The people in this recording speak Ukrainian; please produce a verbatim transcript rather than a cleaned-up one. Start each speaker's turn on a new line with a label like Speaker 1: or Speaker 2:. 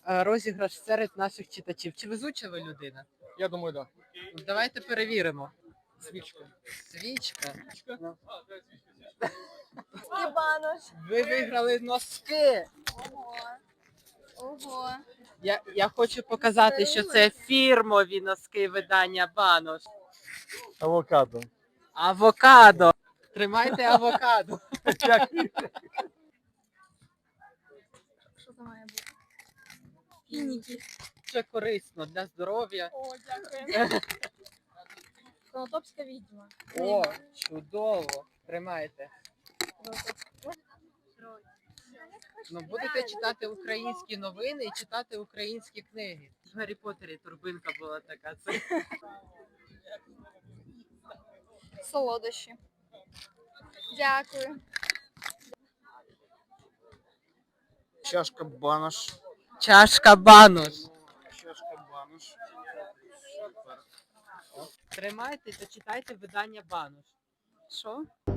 Speaker 1: е, розіграш серед наших читачів. Чи везуча ви людина?
Speaker 2: Я думаю, да.
Speaker 1: Ну, давайте перевіримо.
Speaker 2: Свічка.
Speaker 1: Свічка. Ну,
Speaker 3: Степанош.
Speaker 1: ви виграли носки.
Speaker 3: Ого. Ого.
Speaker 1: Я, я хочу показати, що це фірмові носки видання Банош.
Speaker 2: Авокадо.
Speaker 1: Авокадо. Тримайте авокадо.
Speaker 3: Що це має бути? Фініки.
Speaker 1: Це корисно для здоров'я.
Speaker 3: О, дякую. Конотопська відьма.
Speaker 1: О, чудово. Тримайте. Ну, будете читати українські новини і читати українські книги. В Гаррі Поттері турбинка була така. Це...
Speaker 3: Солодощі. Дякую.
Speaker 2: Чашка банош.
Speaker 1: Чашка Банош.
Speaker 2: Чашка банош.
Speaker 1: Тримайте та читайте видання Банош.
Speaker 3: Що?